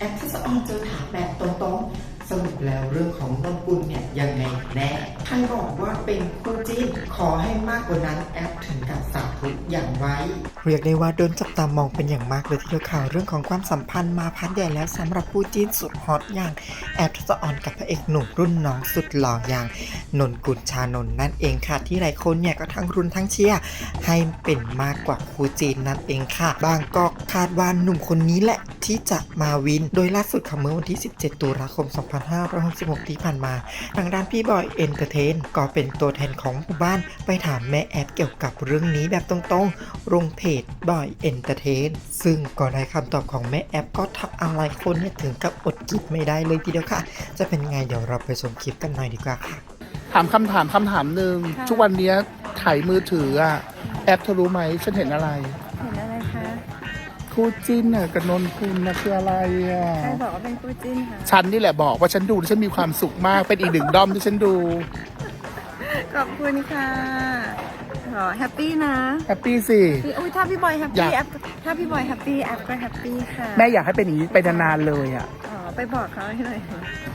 แอปทัศออนเจอถามแบบตรงๆสรุปแล้วเรื่องของนนกุลเนี่ยยังไงแน่ใครบอกว่าเป็นคู่จิ้นขอให้มากกว่านั้นแอปถึงกับสาธุอย่างไว้เรียกได้ว่าโดนจับตามองเป็นอย่างมากเลยทีเดียวข่าวเรื่องของความสัมพันธ์มาพักใหญ่แล้วสำหรับคู่จิ้นสุดฮอตอย่างแอปทัศออนกับพระเอกหนุ่มรุ่นน้องสุดหล่ออย่างนนกุลชานนท์นั่นเองค่ะที่หลายคนเนี่ยก็ทั้งรุนทั้งเชียร์ให้เป็นมากกว่าคู่จิ้นนั่นเองค่ะบางก็คาดว่าหนุ่มคนนี้แหละที่จะมาวินโดยล่าสุดค่ะเมื่อวันที่17ตุลาคม2566ที่ผ่านมาทางด้านพี่บอยเอนเตอร์เทนก็เป็นตัวแทนของหมู่บ้านไปถามแม่แอปเกี่ยวกับเรื่องนี้แบบตรงๆลงเพจบอยเอนเตอร์เทนซึ่งก็ได้คำตอบของแม่แอปก็ทำอะไรคนเนี่ยถึงกับอดกินไม่ได้เลยทีเดียวค่ะจะเป็นไงเดี๋ยวเราไปชมคลิปกันหน่อยดีกว่าค่ะถามคำถามหนึ่งทุกวันนี้ถ่ายมือถืออะแอปเธอรู้ไหมฉันเห็นอะไรเห็นอะไรคะคู่จิ้นน่ะกับนนกุลนะคืออะไรอ่ะใครบอกว่าเป็นคู่จิ้นคะฉันนี่แหละบอกว่าฉันดูฉันมีความสุขมากเป็นอีกหนึ่งด้อมที่ฉันดูขอบคุณค่ะแฮปปี้นะแฮปปี้สิอุ้ยถ้าพี่บอยแฮปปี้แอปถ้าพี่บอยแฮปปี้แอปก็แฮปปี้ค่ะแม่อยากให้เป็นอย่างนี้ไปนานๆเลยอ่ะไปบอกเขาให้หน่อย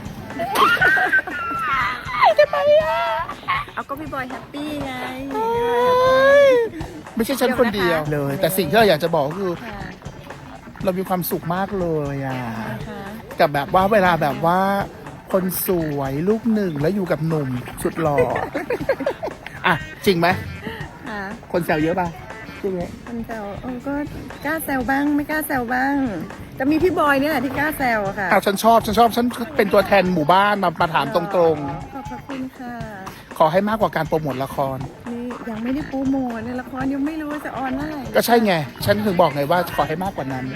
ทำไมอ่ะเอาก็พี่บอยแฮปปี้ไงไม่ใช่ฉันคนเดียวเลยแต่สิ่งที่เราอยากจะบอกคือเรามีความสุขมากเลยอ่ะกับแบบว่าเวลาแบบว่าคนสวยลูกหนึ่งแล้วอยู่กับหนุ่มสุดหล่ออ่ะจริงไหมคนแซวเยอะป่ะจริงไหมคนแซวก็กล้าแซวบ้างไม่กล้าแซวบ้างจะมีพี่บอยเนี่ยแหละที่กล้าแซวค่ะฉันชอบฉันเป็นตัวแทนหมู่บ้านมาถามตรงๆขอบคุณค่ะขอให้มากกว่าการโปรโมทละครนี่ยังไม่ได้โปรโมทในละครยังไม่รู้ว่าจะออนเมื่อไหร่ก็ใช่ไงฉันถึงบอกไงว่าขอให้มากกว่านั้น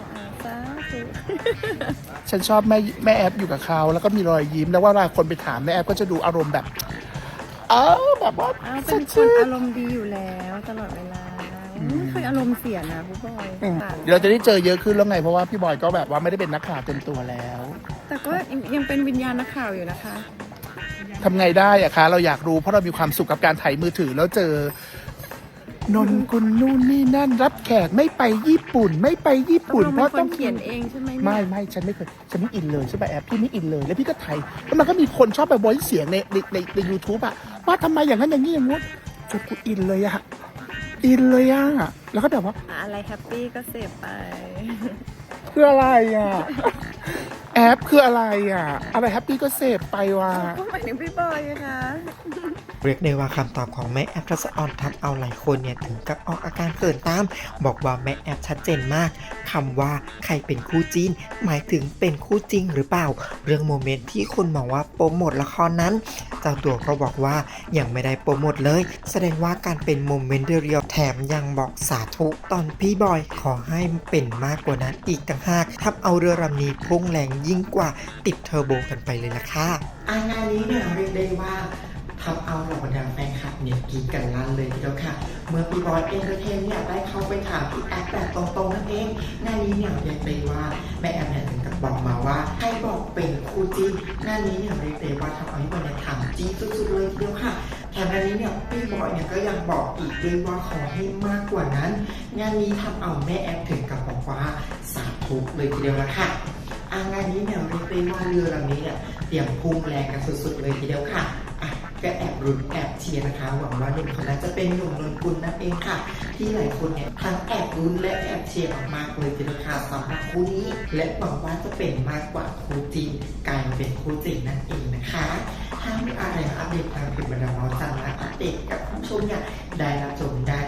ฉันชอบแม่แอปอยู่กับเขาแล้วก็มีรอยยิ้มแล้วว่าเวลาคนไปถามแม่แอปก็จะดูอารมณ์แบบแบบว่าเป็นคนอารมณ์ดีอยู่แล้วตลอดเวลาไม่เคยอารมณ์เสียนะพี่บอยเราจะได้เจอเยอะขึ้นแล้วไงเพราะว่าพี่บอยก็แบบว่าไม่ได้เป็นนักข่าวเต็มตัวแล้วแต่ก็ยังเป็นวิญญาณนักข่าวอยู่นะคะทำไงได้อะคะเราอยากรู้เพราะเรามีความสุขกับการถ่ายมือถือแล้วเจอนนกุลนู่นนี่นั่นรับแขกไม่ไปญี่ปุ่นเพราะต้องเขียนเองใช่ไหมไม่ฉันไม่เคยฉันไม่อินเลยใช่ไหมแอปพี่ไม่อินเลยแล้วพี่ก็ถ่ายแล้วมันก็มีคนชอบไปบอยเสียงใน YouTube อะว่าทำไมอย่างนั้นอย่างนี้อย่างงู้นจนกูอินเลยอะแล้วก็แบบว่าอะไรแฮปปี้ก็เสพไปคืออะไรอะแอปคืออะไรอะอะไรแฮปปี้ก็เสพไปว่ะก็หมายถึงพี่บอยนะคะเรียกได้ว่าคำตอบของแม่แอปทัศออนทำเอาหลายคนเนี่ยถึงกับออกอาการเขินตามบอกว่าแม่แอปชัดเจนมากคำว่าใครเป็นคู่จิ้นหมายถึงเป็นคู่จริงหรือเปล่าเรื่องโมเมนต์ที่คนมองว่าโปรโมทละครนั้นเจ้าตัวก็บอกว่ายังไม่ได้โปรโมทเลยแสดงว่าการเป็นโมเมนต์เรียวแถมยังบอกสาธุตอนพี่บอยขอให้เป็นมากกว่านั้นอีกต่างหากทำเอาเรือลำนี้พุ่งแรงยิ่งกว่าติดเทอร์โบกันไปเลยล่ะค่ะงานนี้เนี่ยเรียกได้ว่าทำเอาเหล่าบรรดาแฟนคลับเนี่ยกรี๊ดกันลั่นเลยทีเดียวค่ะเมื่อพี่บอยเอนเตอร์เทนเนี่ยได้เข้าไปถามพี่แอปแบบตรงๆนั่นเองงานนี้เนี่ยเรียกได้ว่าแม่แอปเนี่ยถึงกับบอกมาว่าให้บอกเป็นคู่จิ้นงานนี้เนี่ยเรียกได้ว่าทำเอาพี่บอยเนี่ยทำจี้สุดๆเลยทีเดียวค่ะแถมงานนี้เนี่ยพี่บอยเนี่ยก็ยังบอกอีกด้วยว่าขอให้มากกว่านั้นงานนี้ทำเอาแม่แอปถึงกับบอกว่าสาธุเลยทีเดียวละค่ะงานนี้เนี่ยเรียกได้ว่าเรือลำนี้เนี่ยเตรียมพุ่งแรงกันสุดๆเลยทีเดียวค่ะก็แอบรุ้นแอบเชียร์นะคะหวังว่าหนุ่มคนนั้นจะเป็นหนุ่มนนกุลนั่นเองค่ะที่หลายคนเนี่ยทั้งแอบรุ้นและแอบเชียร์มากๆเลยทีเดียวค่ะสำหรับคู่นี้และหวังว่าจะเป็นมากกว่าคู่จริงกลายเป็นคู่จริงนั่นเองนะคะถ้ามีอะไรอัปเดตทางเพจบรรดาเมาส์จังและอัปเดตกับผู้ชมเนี่ยได้รับชมได้